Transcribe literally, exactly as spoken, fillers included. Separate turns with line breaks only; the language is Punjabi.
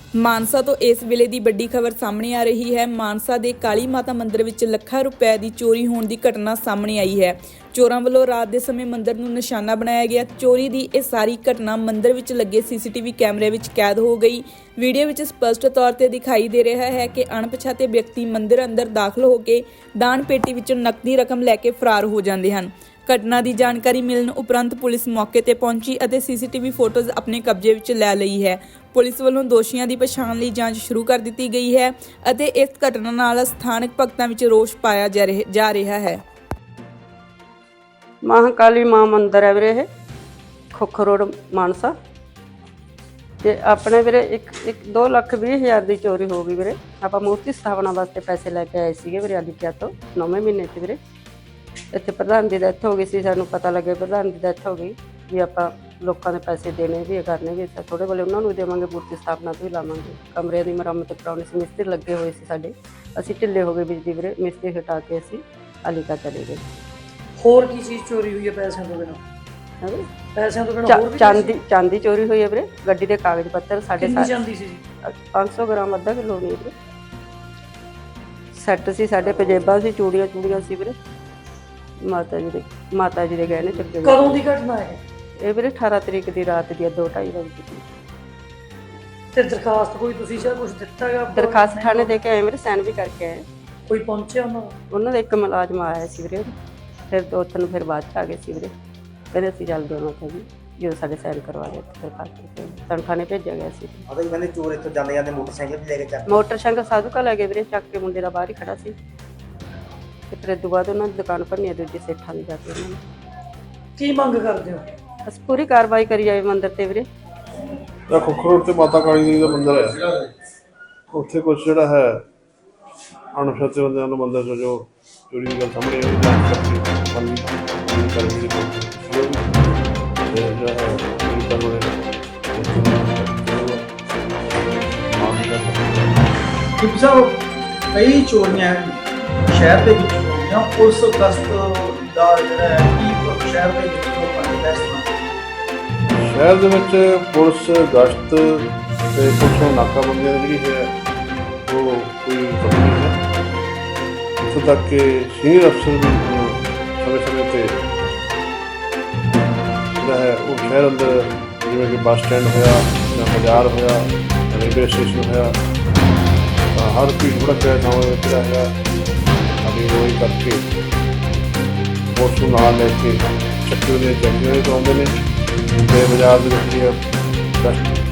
ਮਾਨਸਾ ਤੋਂ ਇਸ ਵੇਲੇ ਦੀ ਵੱਡੀ ਖਬਰ ਸਾਹਮਣੇ ਆ ਰਹੀ ਹੈ। ਮਾਨਸਾ ਦੇ ਕਾਲੀ ਮਾਤਾ ਮੰਦਿਰ ਵਿੱਚ ਲੱਖਾਂ ਰੁਪਏ ਦੀ ਚੋਰੀ ਹੋਣ ਦੀ ਘਟਨਾ ਸਾਹਮਣੇ ਆਈ ਹੈ। ਚੋਰਾਂ ਵੱਲੋਂ ਰਾਤ ਦੇ ਸਮੇਂ ਮੰਦਿਰ ਨੂੰ ਨਿਸ਼ਾਨਾ ਬਣਾਇਆ ਗਿਆ। ਚੋਰੀ ਦੀ ਇਹ ਸਾਰੀ ਘਟਨਾ ਮੰਦਿਰ ਵਿੱਚ ਲੱਗੇ ਸੀਸੀਟੀਵੀ ਕੈਮਰੇ ਵਿੱਚ ਕੈਦ ਹੋ ਗਈ। ਵੀਡੀਓ ਵਿੱਚ ਸਪਸ਼ਟ ਤੌਰ ਤੇ ਦਿਖਾਈ ਦੇ ਰਿਹਾ ਹੈ ਕਿ ਅਣਪਛਾਤੇ ਵਿਅਕਤੀ ਮੰਦਿਰ ਅੰਦਰ ਦਾਖਲ ਹੋ ਕੇ ਦਾਨ ਪੇਟੀ ਵਿੱਚੋਂ ਨਕਦੀ ਰਕਮ ਲੈ ਕੇ ਫਰਾਰ ਹੋ ਜਾਂਦੇ ਹਨ। ਘਟਨਾ ਦੀ ਜਾਣਕਾਰੀ ਮਿਲਣ ਉਪਰੰਤ ਪੁਲਿਸ ਮੌਕੇ ਤੇ ਪਹੁੰਚੀ ਅਤੇ ਸੀਸੀਟੀਵੀ ਫੋਟੋਜ਼ ਆਪਣੇ ਕਬਜ਼ੇ ਵਿੱਚ ਲੈ ਲਈ ਹੈ। ਪੁਲਿਸ ਵੱਲੋਂ ਦੋਸ਼ੀਆਂ ਦੀ ਪਛਾਣ ਲਈ ਜਾਂਚ ਸ਼ੁਰੂ ਕਰ ਦਿੱਤੀ ਗਈ ਹੈ ਅਤੇ ਇਸ ਘਟਨਾ ਨਾਲ ਸਥਾਨਕ ਭਗਤਾਂ ਵਿੱਚ ਰੋਸ ਪਾਇਆ ਜਾ ਰਿਹਾ ਹੈ।
महाकाली मां मंदिर है वीरे, खोखर रोड मानसा। ते अपने वीरे एक एक दो लख भी हज़ार की चोरी हो गई वीरे। आपां मूर्ति स्थापना वास्ते पैसे लैके आए थे वीरे आदित्य तो नौवें महीने से वीरे। इत्थे प्रधान की डेथ हो गई सी, सानूं पता लगे प्रधान की डेथ हो गई भी आपां लोकां दे पैसे देने भी करने भी थोड़े बोले उन्होंने भी देवांगे, मूर्ति स्थापना तो भी लावांगे। कमरे की मुरम्मत कराउणी सी, मिस्त्री लगे हुए सी साडे, असीं ढिल्ले हो गए बिजली वीरे। मिस्त्री हटा के असीं अलीका चले गए।
ਹੋਰ ਕੀ ਚੀਜ਼ ਚੋਰੀ ਹੋਈ ਹੈ ਪੈਸਿਆਂ ਤੋਂ ਬਿਨਾਂ?
है वीरे
ਪੈਸਿਆਂ ਤੋਂ ਬਿਨਾਂ ਹੋਰ ਵੀ
चांदी चांदी चोरी हुई है वीरे। गड्डी के कागज पत्तर साढ़े
ਕਿੰਨੀ ਜਾਂਦੀ ਸੀ ਜੀ?
पाँच सौ ग्राम अद्धा किलो नहीं वीरे। सैट सी साढ़े पजेबा सी, चूड़ियाँ चूड़ियाँ सी वीरे। माता जी दे माता जी दे गहने चुके
ਕਦੋਂ ਦੀ ਘਟਨਾ ਹੈ
ये वीरे अठारह तरीक की रात दी दो ढाई बजे की।
ਤੇ ਦਰਖਾਸਤ ਕੋਈ ਤੁਸੀਂ ਜਾਂ ਕੁਝ ਦਿੱਤਾ ਹੈਗਾ?
दरखास्त थाने दे के आए वीरे, साइन भी करके आए।
ਕੋਈ ਪਹੁੰਚਿਆ ਉਹਨਾਂ ਦਾ?
उन्होंने एक मुलाजम आया सी वीरे, फिर दो तीन फिर बाद च आ गए सी वीरे। कहते असीं जल्द देना था जी जो साढ़े साइन करवा गए दरखास्त तन थाने भेजा गया सी।
ਉਹਦਾ ਹੀ ਕਹਿੰਦੇ ਚੋਰ ਇੱਥੋਂ ਜਾਂਦੇ ਜਾਂਦੇ ਮੋਟਰਸਾਈਕਲ ਵੀ ਲੈ ਕੇ ਚੱਕ
मोटरसाइकिल साधु का लगे वीरे, चक के मुंडे दा बाहर ही खड़ा सी। ते फिर इस बाद उन्होंने दुकान भरनी दूजी सेठा दी जाके उन्होंने।
ਕੀ ਮੰਗ ਕਰਦੇ ਹੋ?
बस पूरी कार्रवाई करी जाए मंदिर ते वीरे।
ਇਹ ਖੋਖਰ ਰੋਡ ਤੇ ਮਾਤਾ ਕਾਲੀ ਦੇਵੀ ਦਾ ਮੰਦਿਰ ਹੈ। ਉੱਥੇ ਕੁਛ ਜਿਹੜਾ ਹੈ ਅਣਪਛਾਤੇ ਬੰਦਿਆਂ ਨੂੰ ਮੰਦਿਰ 'ਚੋਂ ਜੋ ਚੋਰੀ ਦੀ ਗੱਲ ਸਾਹਮਣੇ ਆਈ ਜਾਂਚ ਕਰਕੇ ਬੰਦੀ ਕਰਨੀ ਦੀ ਕੋਸ਼ਿਸ਼ ਤੇ ਜਿਹੜਾ ਹੈ ਇਹ ਤਾਂ ਬੜੇ
ਡਿਪਟੀ ਸਾਹਿਬ, ਕਈ ਚੋਰੀਆਂ ਸ਼ਹਿਰ ਦੇ ਵਿੱਚ ਹੋਈਆਂ। ਪੁਲਿਸ ਗਸ਼ਤ ਦਾ ਜਿਹੜਾ ਹੈ ਕੀ ਸ਼ਹਿਰ ਦੇ ਵਿੱਚ ਲੋਕਾਂ ਦੇ ਇਸ ਤਰ੍ਹਾਂ
ਸ਼ਹਿਰ ਦੇ ਵਿੱਚ ਪੁਲਿਸ ਗਸ਼ਤ ਤੇ ਪੁਲਿਸ ਨਾਕਾਬੰਦੀਆਂ ਜਿਹੜੀ ਹੈ ਉਹ ਕੋਈ ਕਮੀ ਨਹੀਂ ਹੈ। ਇੱਥੋਂ ਤੱਕ ਕਿ ਸੀਨੀਅਰ ਅਫਸਰ ਵੀ ਸਮੇਂ ਸਮੇਂ 'ਤੇ ਜਿਹੜਾ ਹੈ ਉਹ ਸ਼ਹਿਰ ਅੰਦਰ ਜਿਵੇਂ ਕਿ ਬੱਸ ਸਟੈਂਡ ਹੋਇਆ ਜਾਂ ਬਾਜ਼ਾਰ ਹੋਇਆ, ਰੇਲਵੇ ਸਟੇਸ਼ਨ ਹੋਇਆ, ਤਾਂ ਹਰ ਭੀੜ ਭੜੱਕੇ ਥਾਵਾਂ ਦੇ ਵਿੱਚ ਜਿਹੜਾ ਹੈਗਾ ਆਪਣੀ ਰੋਈ ਕਰਕੇ ਪੁਲਿਸ ਨੂੰ ਨਾਲ ਲੈ ਕੇ ਚੱਕੀ ਦੀਆਂ ਚੈਕਿੰਗਾਂ ਵੀ ਕਰਾਉਂਦੇ ਨੇ। ਤੇ ਬਾਜ਼ਾਰ ਦੇ ਵਿੱਚ ਜਿਹੜੀ ਹੈ